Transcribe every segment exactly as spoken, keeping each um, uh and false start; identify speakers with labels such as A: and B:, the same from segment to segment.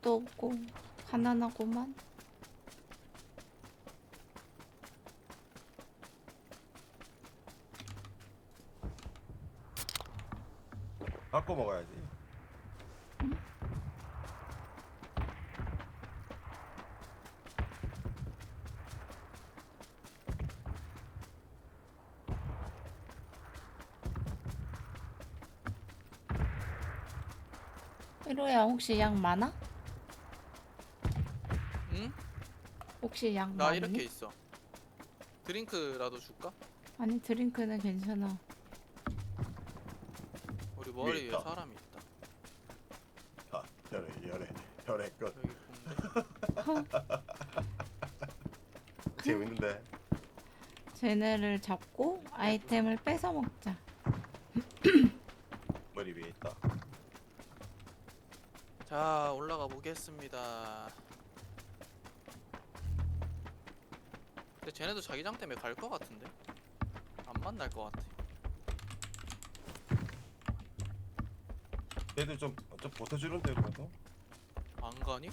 A: 것도 없고 가난하고만.
B: 갖고 먹어야지.
A: 이로야 혹시 양 많아?
C: 응?
A: 혹시 양
C: 나
A: 많니?
C: 이렇게 있어. 드링크라도 줄까?
A: 아니 드링크는 괜찮아.
C: 우리 머리
B: 위에
C: 위에
B: 있다.
C: 사람이 있다.
B: 자, 열애, 열애, 열애 끝.
C: 여기 본데?
B: 재밌는데.
A: 쟤네를 잡고 아이템을 뺏어 먹자.
B: 머리 위에 있다.
C: 자, 올라가 보겠습니다. 근데 쟤네도 자기장 때문에 갈 것 같은데? 안 만날 것 같아.
B: 얘들 좀, 좀 버텨주는데 그래도.
C: 안 가니?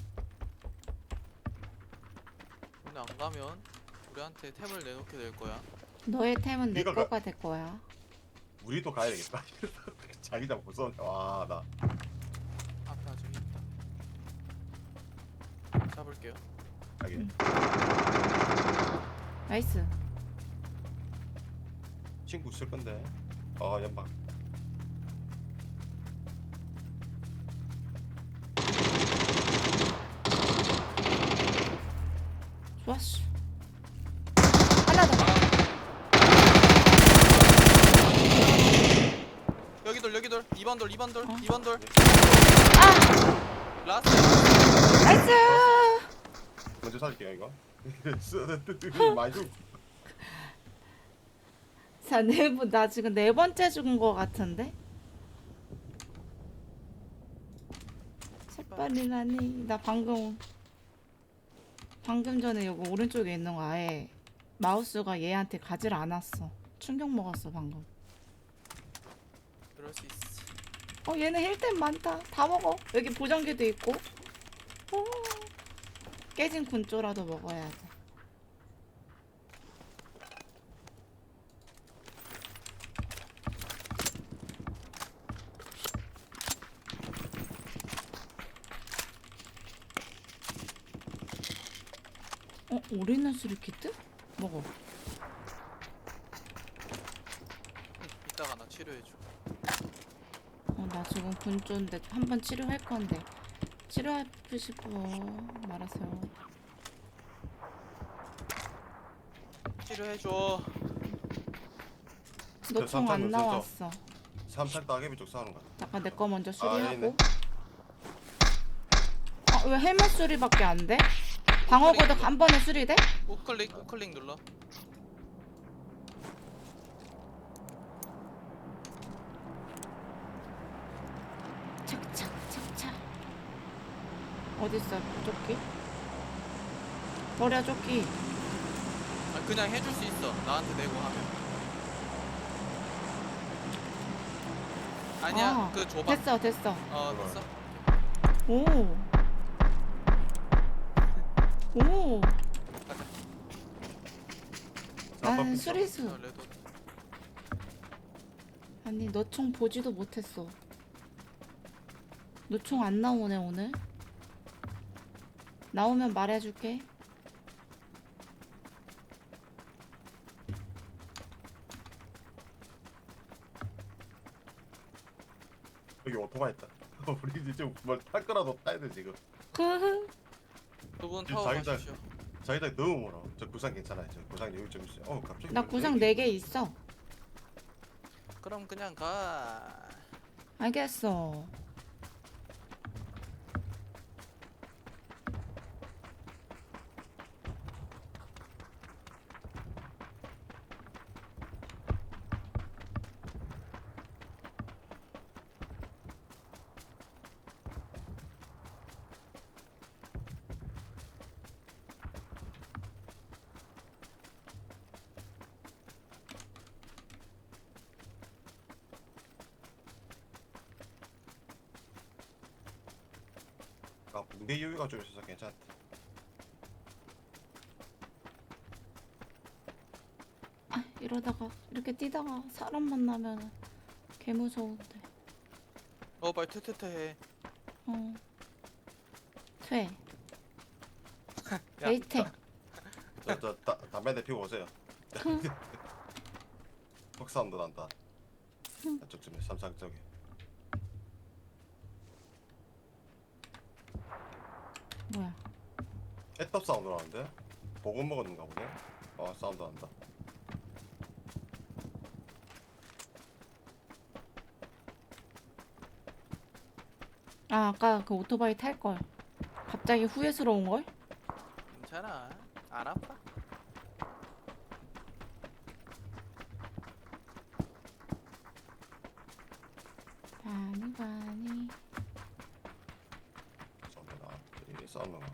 C: 근데 안 가면 우리한테 템을 내놓게 될 거야.
A: 너의 템은 내
B: 네가
A: 거가 될 거야.
B: 우리도 가야 되겠다. 자기장 무서운데. 와, 나.
C: 앞에 아직 있다. 잡을게요.
B: 자기.
A: 응. 나이스.
B: 친구 있을 건데. 아, 연막.
A: 좋았어. 하나 더.
C: 여기 돌, 여기 돌. 이 번 돌, 이 번 돌,
A: 어?
C: 이 번 돌.
A: 아!
C: 라스트.
A: 나이스!
B: 먼저 살릴게요, 이거. 많이 좀.
A: 자, 네 번, 나 지금 네 번째 죽은 거 같은데? 색발이라니. 나 방금, 방금 전에 여기 오른쪽에 있는 거 아예 마우스가 얘한테 가지를 않았어. 충격 먹었어, 방금.
C: 그럴 수 있어.
A: 어, 얘는 힐템 많다. 다 먹어. 여기 보정기도 있고. 오, 깨진 군조라도 먹어야 돼. 어, 오리는 수리키트? 먹어.
C: 이따가 나 치료해줘.
A: 어, 나 지금 군조인데 한번 치료할 건데. 치료하고 싶어 말았어요.
C: 치료해줘.
A: 너 총
B: 삼탄
A: 안
B: 먼저
A: 나왔어.
B: 삼탄 따개비 쪽 싸우는 거 같아.
A: 잠깐 내 거 먼저
B: 아, 얘네.
A: 수리하고. 아, 왜 헬멧 수리밖에 안 돼? 방어 고득 한 번에 수리돼?
C: 우클릭, 우클릭 눌러.
A: 착착 착착. 어딨어 조끼? 버려 조끼.
C: 아, 그냥 해줄 수 있어. 나한테 내고 하면. 아니야,
A: 아,
C: 그 줘봐.
A: 됐어 됐어.
C: 어, 됐어.
A: 오. 오.
C: 가자.
A: 나는
B: 자,
A: 수리수.
C: 어, 레드.
A: 아니 너 총 보지도 못했어. 너 총 안 나오네 오늘. 나오면 말해줄게.
B: 여기 오토바이 있다. 우리 이제 뭘탈 거라도 타야 돼 지금.
C: 두분
B: 지금
C: 타워
B: 자기장-
C: 가십시오.
B: 자기장 너무 멀어. 저 구상 괜찮아요. 저 구상 여기 좀 있어요. 어 갑자기.
A: 나
B: 왜
A: 구상
B: 여기-
A: 네 개 있어.
C: 그럼 그냥 가.
A: 알겠어.
B: 내 여유가 좀 있어서 괜찮다.
A: 아, 이러다가 이렇게 뛰다가 사람 만나면 개 무서운데.
C: 어 빨리 퇴퇴퇴 해.
A: 어. 퇴.
C: 야,
A: 데이트.
B: 저저 담배 대 피고 오세요. 턱사운드 난다. 저쪽쯤에 삼상 쪽에.
A: 뭐야?
B: 애떡 사운드 나는데? 보고 먹었는가 보네. 아 사운드 난다.
A: 아, 아까 그 오토바이 탈 걸. 갑자기 후회스러운 걸?
C: 괜찮아. 안 아파.
A: 바니 바니.
B: 사운드 나. 이 사운드 나.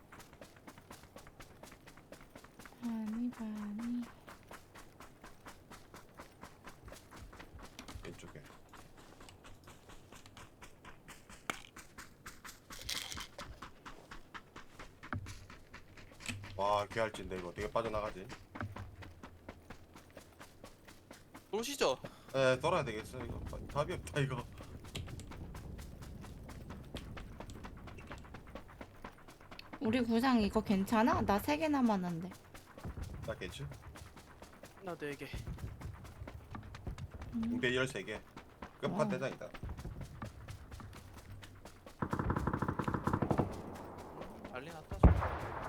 A: 바니 바니.
B: 왼쪽에. 와 개할진데 이거 어떻게 빠져나가지?
C: 보시죠.
B: 에 돌아야 되겠어 이거. 답이 없다 이거.
A: 우리 구상 이거 괜찮아? 나 세 개 남았는데.
B: 낫겠지?
C: 나 네 개.
A: 음.
B: 붕대 열세 개.
A: 와.
B: 끝판 대장이다.
C: 난리 났다. 저.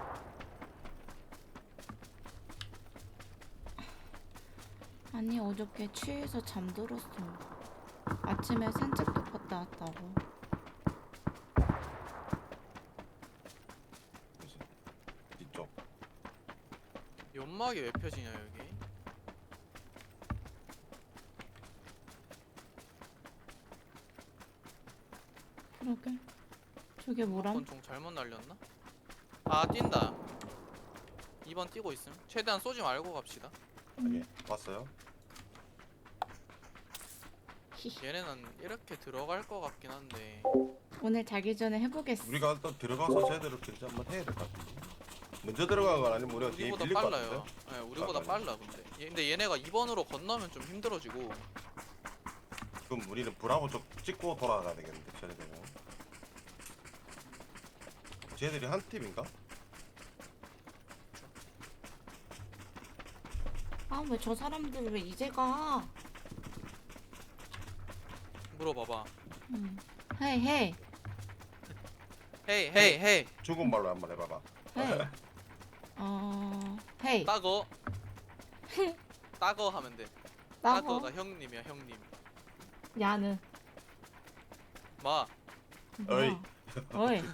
A: 아니 어저께 취해서 잠들었어. 아침에 산책도 갔다 왔다고.
B: 그래서 뒤쪽.
C: 연막이 왜 펴지냐 여기?
A: 그러게. 저게 뭐람?
C: 이번 종 잘못 날렸나? 아 뛴다. 이 번 뛰고 있음. 최대한 쏘지 말고 갑시다.
B: 여기 봤어요?
A: 히히.
C: 얘네는 이렇게 들어갈 것 같긴 한데.
A: 오늘 자기 전에 해보겠어.
B: 우리가 일단 들어가서 제대로 견제 한번 해야 될 것 같은데. 먼저 들어간 건 아니면 우리가 뒤에
C: 우리보다
B: 밀릴 것
C: 빨라요.
B: 같은데?
C: 네, 우리보다
B: 아,
C: 빨라 근데. 얘, 근데 얘네가 이 번으로 건너면 좀 힘들어지고.
B: 그럼 우리는 브라보 쪽 찍고 돌아가야 되겠는데 쟤네들은. 쟤들이 한 팀인가?
A: 아, 왜 저 사람들 왜 이제 가?
C: 물어봐봐.
A: 음. 헤이 헤이
C: 헤이 헤이 헤이.
B: 중국말로 한번 해봐봐.
A: 헤이. 어, 헤이.
C: 따거. 따거 하면 돼.
A: 나고.
C: 따거가 형님이야 형님.
A: 야는.
C: 마.
B: 어이.
A: 뭐야? 어이.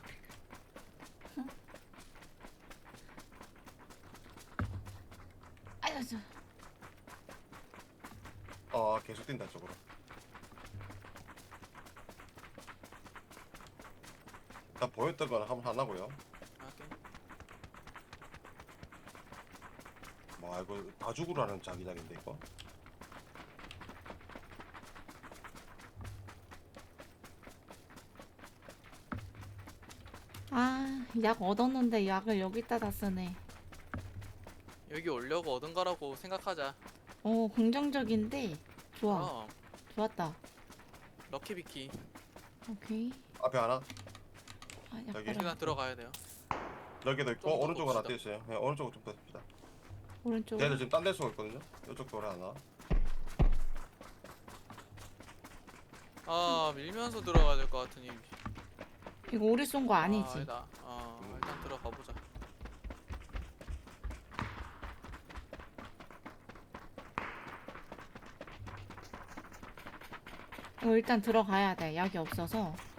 A: 아유 저.
B: 아 계속 뛴다 쪽으로. 일단 보였던 건 한번 하나고요.
C: 오케이.
B: 뭐 이거 다 죽으라는 자기장인데 이거.
A: 아, 약 얻었는데 약을 여기다 다 쓰네.
C: 여기 오려고 얻은 거라고 생각하자.
A: 어, 긍정적인데 좋아.
C: 그럼
A: 좋았다.
C: 럭키비키.
A: 오케이.
B: 앞에 하나.
A: 아, 약
B: 저기.
A: 빨아.
C: 시간 들어가야 돼요.
B: 여기도 있고
C: 좀더
B: 오른쪽 하나
C: 봅시다.
B: 떼 있어요. 네, 오른쪽으로 좀 떼봅시다.
A: 오른쪽.
B: 쟤들 지금 딴 데 쏘고 있거든요. 이쪽 돌에 하나.
C: 아 밀면서 들어가야 될 것 같으니.
A: 이거 우리 쏜 거 아니지?
C: 아, 아니다. 어
B: 음.
C: 일단 들어가 보자.
A: 이거 일단 들어가야 돼. 약이 없어서.